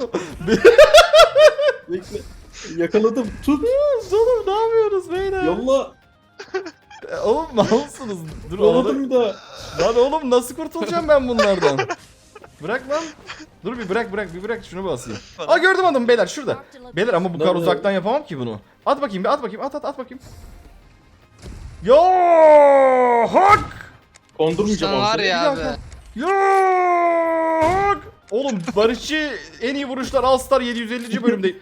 Speaker 4: Bekle. Yakaladım. Tut.
Speaker 1: Oğlum ne yapıyorsunuz beyler?
Speaker 4: Yolla.
Speaker 1: E, Oğlum malsınız. Dur
Speaker 4: Yolladım
Speaker 1: oğlum.
Speaker 4: bir daha.
Speaker 1: Lan oğlum nasıl kurtulacağım ben bunlardan? Bırak lan. Dur bir bırak bırak bir bırak şunu basayım. Aa gördüm adamı beyler şurada. Beyler ama bu kadar
Speaker 4: Nerede?
Speaker 1: uzaktan yapamam ki bunu. At bakayım bir at bakayım at at at bakayım. Yo hak.
Speaker 4: Kondurmayacağım
Speaker 3: Sen var
Speaker 4: abi.
Speaker 3: ya
Speaker 1: Bir
Speaker 3: abi.
Speaker 1: dakika. Yo hak. Oğlum Barışçı en iyi vuruşlar All Star yedi yüz ellinci bölümde.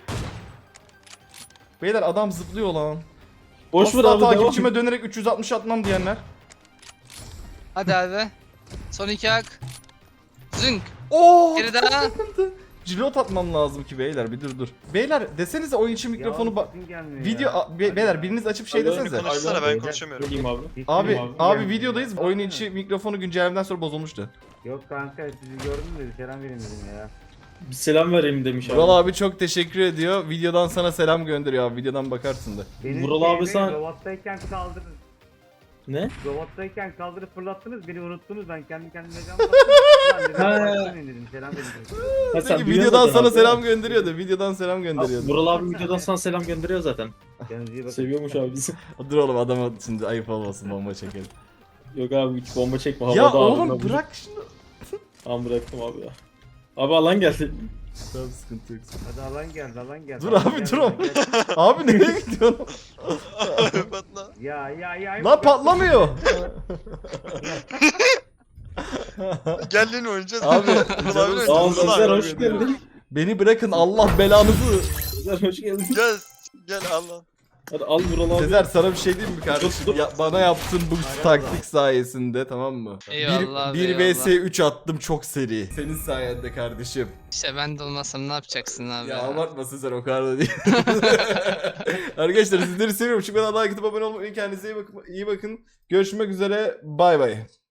Speaker 1: Beyler adam zıplıyor lan.
Speaker 4: Boş ver
Speaker 1: Asla
Speaker 4: abi devam.
Speaker 1: takipçime dönerek üç yüz altmış atmam diyenler.
Speaker 3: Hadi abi. Son iki hak. Zünk.
Speaker 1: Oo!
Speaker 3: Geri daha.
Speaker 1: Cilot atmam lazım ki beyler bir dur dur. Beyler desenize oyun için mikrofonu ba- video a- be- beyler biriniz açıp şey
Speaker 4: Alo,
Speaker 1: desenize.
Speaker 6: Konuşsana ben konuşamıyorum.
Speaker 4: Söyleyeyim abi.
Speaker 1: Abi
Speaker 4: Abi,
Speaker 1: abi videodayız. Oyun içi mikrofonu güncellemeden sonra bozulmuştu.
Speaker 2: Yok kanka sizi gördüm de selam verin dedim ya.
Speaker 4: Bir selam vereyim demiş abi.
Speaker 1: Vural abi çok teşekkür ediyor. Videodan sana selam gönderiyor abi. Videodan bakarsın da.
Speaker 2: Benim
Speaker 4: Vural abi
Speaker 2: şeyde
Speaker 4: sen-
Speaker 2: Robottayken kaldırın.
Speaker 4: Ne?
Speaker 2: Robottayken kaldırıp fırlattınız beni unuttunuz ben kendi kendime can bastım.
Speaker 4: Ha.
Speaker 2: Ben dedim dedim selam verin dedim.
Speaker 4: Ha, sen
Speaker 1: Peki
Speaker 4: biliyorsun
Speaker 1: videodan
Speaker 4: zaten
Speaker 1: sana
Speaker 4: abi.
Speaker 1: selam gönderiyordu. Videodan selam gönderiyordu.
Speaker 4: Vural abi videodan sana selam gönderiyor zaten.
Speaker 2: Kendinize iyi bakın.
Speaker 4: Seviyormuş abi bizi.
Speaker 1: Dur oğlum adama şimdi ayıp olmasın bomba çekelim.
Speaker 4: Yok abi hiç bomba çekme havada
Speaker 1: Ya
Speaker 4: abi.
Speaker 1: oğlum
Speaker 4: Ben-
Speaker 1: bırak şunu.
Speaker 4: Tamam bıraktım abi ya. Abi alan geldi.
Speaker 1: Tamam sıkıntı yok.
Speaker 2: Hadi alan geldi alan geldi.
Speaker 1: Dur
Speaker 2: alan
Speaker 1: abi,
Speaker 2: geldi,
Speaker 1: dur
Speaker 2: alan
Speaker 1: abi.
Speaker 2: geldi.
Speaker 1: Abi nereye gidiyorsun?
Speaker 6: Patla.
Speaker 2: Ya ya ya.
Speaker 1: Lan patlamıyor.
Speaker 6: Gel lan oynayacağız.
Speaker 1: Abi,
Speaker 6: Vural
Speaker 1: canım
Speaker 6: abi
Speaker 1: sağ ol,
Speaker 6: oynayacağız.
Speaker 1: Sezer,
Speaker 4: Sizler
Speaker 6: Vural
Speaker 4: hoş
Speaker 6: abi.
Speaker 4: geldin.
Speaker 1: Beni bırakın Allah belanızı.
Speaker 4: Sizler hoş geldin.
Speaker 6: Gel. Gel al lan.
Speaker 4: Hadi al Vural abi.
Speaker 1: Sezer sana bir şey diyeyim mi kardeşim?
Speaker 4: Dur, dur.
Speaker 1: Ya, bana yaptığın bu taktik sayesinde tamam mı?
Speaker 3: Eyvallah abi,
Speaker 1: bir
Speaker 3: eyvallah.
Speaker 1: vs üç attım çok seri. Senin sayende kardeşim.
Speaker 3: İşte ben de olmasam ne yapacaksın abi
Speaker 1: Ya
Speaker 3: ya?
Speaker 1: abartma Sezer o kadar da değil. Arkadaşlar sizleri seviyorum. Şu kadar like atıp abone olmayı, kendinize iyi bakın. İyi bakın. Görüşmek üzere. Bay bay.